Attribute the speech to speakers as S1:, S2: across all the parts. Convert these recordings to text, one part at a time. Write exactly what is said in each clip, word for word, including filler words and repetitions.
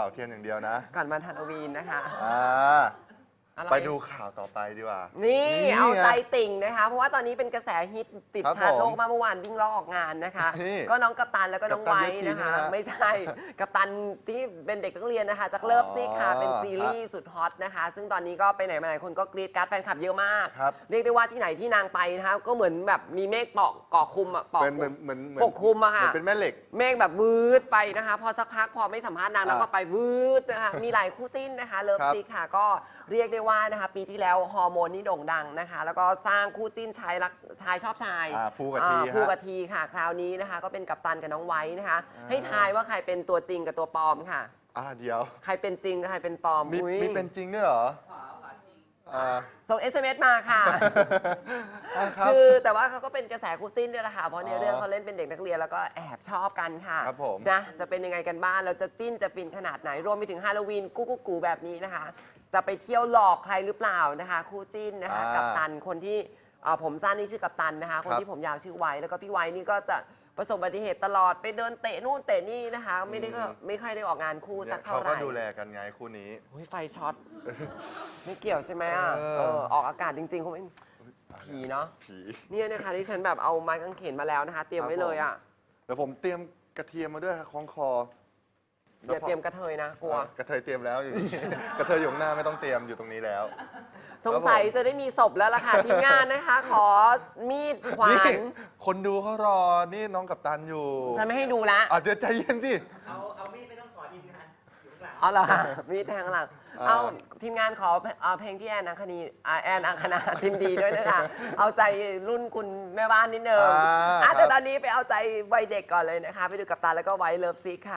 S1: ป่าเทียนอย่างเดียวนะ
S2: ก่อนวันฮาโลวีนนะคะ
S1: อ่าไปดูข่าวต่อไปดีกว่า
S2: นี่
S1: นี่
S2: เอาใจติ่งนะคะ เพราะว่าตอนนี้เป็นกระแสฮิตติด
S1: ครับ
S2: ชาร์ตโลก
S1: ผม
S2: มาเมื่อวานวิ่งล้อออกงานนะคะ
S1: นี่
S2: ก็น้องกัปตันแล้วก็น้อง
S1: กัปตัน
S2: ไว้
S1: เวที
S2: นะคะ
S1: นะฮะ
S2: ไม่ใช่ กัปตันที่เป็นเด็กนักเรียนนะคะจากเลิฟซิกค่ะ
S1: อ๋อ
S2: เป็นซีรีส์สุดฮอตนะคะ ซึ่งตอนนี้ก็ไปไหนมาไหนคนก็กรีดการ์ดแฟนคลับเยอะมาก
S1: ครับ
S2: เรียกได้ว่าที่ไหนที่นางไปนะคะก็เหมือนแบบมีเมฆเปาะเกาะคลุมอะเปาะ
S1: เป็นเหมือนเหมือนเหมือน
S2: ปกคลุมอะค่ะ
S1: เหมือนเป็นแม่เหล็ก
S2: เมฆแบบวืดไปนะคะ พอสักพักพอไม่สัมภาษณ์นางแล้วก็
S1: อ่า
S2: ไปวืดนะคะมีหลายคู่จิ้นนะคะเลิฟ
S1: ครับ
S2: ซิกค่ะก็เรียกได้ว่านะคะปีที่แล้วฮอร์โมนนี่โด่งดังนะคะ แล้วก็สร้างคู่จิ้นชายรักชายชอบชาย
S1: อ่าภูกับที
S2: อ่า
S1: ฮะ
S2: ภูกับทีค่ะ คราวนี้นะคะ ก็เป็นกัปตันกับน้องไว้นะคะ
S1: อ่า
S2: ให้ทายว่าใครเป็นตัวจริงกับตัวปลอมค่ะ
S1: อ่าเดี๋ยว
S2: ใครเป็นจริงกับใครเป็นปลอม
S1: มี
S2: อุ๊ย
S1: มีเป็นจริงด้วยเหรออ่า
S2: ส่ง เอส เอ็ม เอส มาค่ะ
S1: อ่าครับ
S2: คือแต่ว่าเขาก็เป็นกระแสคู่จิ้นด้วยแหละค่ะเพราะใน
S1: อ๋อ
S2: เรื่องเขาเล่นเป็นเด็กนักเรียนแล้วก็แอบชอบกันค่ะ
S1: ครับผม
S2: นะจะเป็นยังไงกันบ้างเราจะจิ้นจะฟินขนาดไหนรวมไปถึงฮาโลวีนกุ๊กกุ๊กกูแบบนี้นะคะ จะไปเที่ยวหลอกใครหรือเปล่านะคะ คู่จิ้นนะคะ
S1: อ่า
S2: กัปตันคนที่เอ่อผมสั้นนี่ชื่อกัปตันนะคะ คน
S1: ครับ
S2: ที่ผมยาวชื่อไว้แล้วก็พี่ไว้นี่ก็จะประสบอุบัติเหตุตลอดไปเดินเตะนู่นเตะนี่นะคะ ไม่ได้ก็
S1: อืม
S2: ไม่ค่อยได้ออกงานคู่
S1: เนี่
S2: สั
S1: ย
S2: กเท่า
S1: เขา
S2: ไห
S1: ก็
S2: ร่
S1: ดูแลกันไงคู่นี้
S2: โอ้ยไฟช็อตไม่เกี่ยวใช่ไหมอ่ะ
S1: เออ
S2: เออออกอากาศจริงๆคงไม่ผีเนาะ
S1: ผี
S2: เนี่ยนะคะที่ฉันแบบเอาไม้กางเขนมาแล้วนะคะ เตรียมไว้เลยอ่ะ
S1: เดี๋ยวผมเตรียมกระเทียมมาด้วยครับคล้องคอ
S2: อย่าเตรียมกระเทยนะกลัว
S1: อ่ะกระเทยเตรียมแล้วอยู่นี่ กระเทยอยู่ข้างหน้าไม่ต้องเตรียมอยู่ตรงนี้แล้ว
S2: สงสัยจะได้มีศพแล้วล่ะค่ะ ทีมงานนะคะ ขอมีดขวา
S1: นี่
S2: น
S1: คนดูเขารอ นี่น้องกัปตันอยู่
S2: ฉันไม่ให้ดูละ
S1: อ่ะเดี๋ยวใจเย็นสิ
S3: เอาเอามีดไม่ต้องขอทีมงานอยู่ข้างหลัง
S2: อ๋อเหรอคะมีดแทงหลัง
S1: อ่า
S2: เอาทีมงานขอเอ่อเพลงพี่แอนอังคณีอ่าแอนอังคณาทีมดีด้วยนะคะ เอาใจรุ่นคุณแม่บ้านนิดนึง
S1: อ่า
S2: อ่ะแต่
S1: ครับ
S2: ตอนนี้ไปเอาใจวัยเด็กก่อนเลยนะคะ ไปดูกับตาแล้วก็ไว้เลิฟซิกค่ะ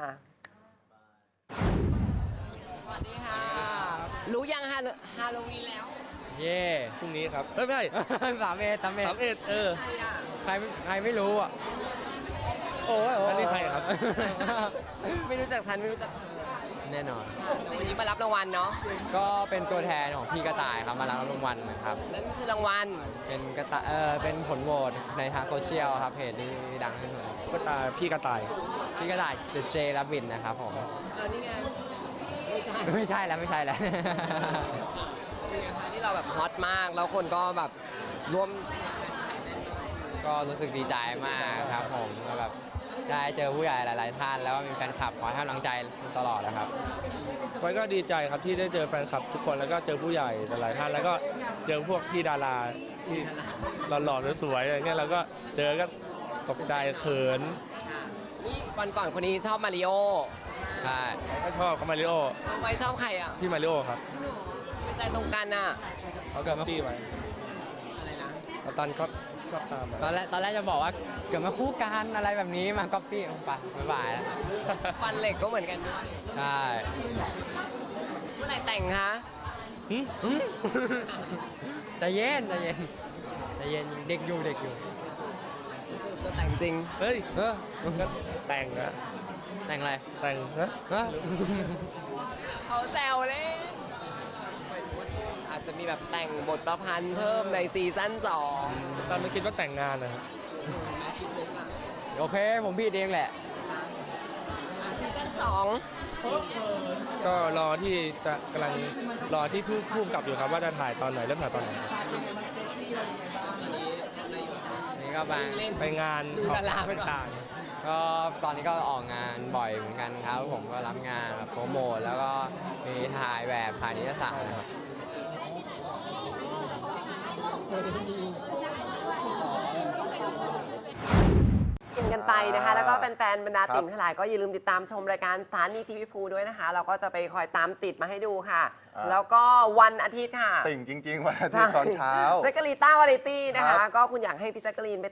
S2: สวัสดีค่ะ รู้ยังฮาโลฮาโลวีนแล้ว
S4: เย่
S5: พรุ่งนี้ครับเอ้ยไม่ใช่
S4: สามเอ็ดสามเอ็ด
S5: สามเอ็ดเออ
S2: ใครอ่ะ
S4: ใครใครไม่รู้อ่ะ โอ้ยโย
S5: อันนี้ใครครับ
S2: ไม่รู้จักฉันไม่รู้จักเธอ
S4: แน่นอน
S2: แต่วันนี้มารับรางวัลเนาะ
S4: ก็เป็นตัวแทนของพี่กระต่ายครับมารับรางวัลนะครับ
S2: นั่นก็คือรางวัล
S4: เป็นกระต่ายเออเป็นผลโหวตในทางโซเชียลครับเพจที่ดังขึ้นมา
S5: ก็ตาพี่กระต่าย
S4: พี่กระต่าย The J Rabbit นะครับผม
S2: เออนี่ไง ไม่ใช่
S4: ไม่ใช่แล้วไม่ใช่แล้ว
S2: เป็นไงคะที่เราแบบฮอตมาก แล้วคนก็แบบร่วม
S4: ก็รู้สึกดีใจมากครับผมก็แบบได้เจอผู้ใหญ่หลาย ๆ ท่าน แล้วก็มีแฟนคลับคอยให้กำลังใจตลอดนะครับ
S5: ไว้ก็ดีใจครับที่ได้เจอแฟนคลับทุกคนแล้วก็เจอผู้ใหญ่หลายๆท่านแล้วก็เจอพวกพี่ดาราที่หล่อๆสวยๆอะไรเงี้ยแล้วก็เจอก็ตกใจเขิน
S2: นี่วันก่อนคนนี้ชอบมาริโอ
S4: ใช่
S5: ก็ชอบเขามาริโอ
S2: ไว้ชอบใครอ่ะ
S5: พี่มาริโอครับ
S2: จริงเหรอไม่ใจตรงกันอ่ะ
S5: เขาเกิดมาพี่ไว้
S2: อะไรนะ
S5: แล้วตันก็ชอบตาม
S4: ตอนแรกตอนแรกจะบอกว่าเกิดมาคู่กันอะไรแบบนี้มาก๊อปปี้ไปบ๊ายบายแล้ว
S2: ฟันเหล็กก็เหมือนกันด้วย
S4: ใช่
S2: เมื่อไหร่แต่งคะ
S5: หึ
S4: ใจเย็นใจเย็นใจเย็นเด็กอยู่เด็กอยู่
S2: จะแต่งจริง
S5: เฮ้ย
S4: เออ
S5: ก็แต่งนะ
S4: แต่งอะไร
S5: แต่งนะ
S4: เออ
S2: เขาแซวเล่นอาจจะมีแบบแต่งบทประพันธ์เพิ่มในซีซั่นสอง
S5: ตอนไม่คิดว่าแต่งงานนะครับ
S2: แม่คิดลึกอ่ะ
S4: โอเคผมผิดเองแหละ
S2: อ่ะซีซั่นสอง
S5: ก็รอที่จะกำลังรอที่ผู้ผู้กำกับอยู่ครับว่าจะถ่ายตอนไหนเริ่มถ่ายตอนไหน
S4: นี่ก็บาง
S2: เล่น
S5: ไปงาน
S2: ดูดาราไปก่อน
S5: ต่าง
S4: ก็ตอนนี้ก็ออกงานบ่อยเหมือนกันครับ ผมก็รับงานแบบโปรโมทแล้วก็มีถ่ายแบบถ่ายนิตยสารนะครับ
S2: กินกันไปนะคะ แล้วก็แฟนๆบรรดา
S1: ครับ
S2: ติ่งทั้งหลายก็อย่าลืมติดตามชมรายการสถานีทีวีภูด้วยนะคะ เราก็จะไปคอยตามติดมาให้ดูค่ะ
S1: อ่า
S2: แล้วก็วันอาทิตย์ค่ะ
S1: ติ่งจริง ๆ วันอาทิตย์ตอนเช้า
S2: แซกกะรีนต้าวาไรตี้นะ
S1: ครั
S2: คะ
S1: บ
S2: ก็คุณอยากให้พี่แซกกะรีนไป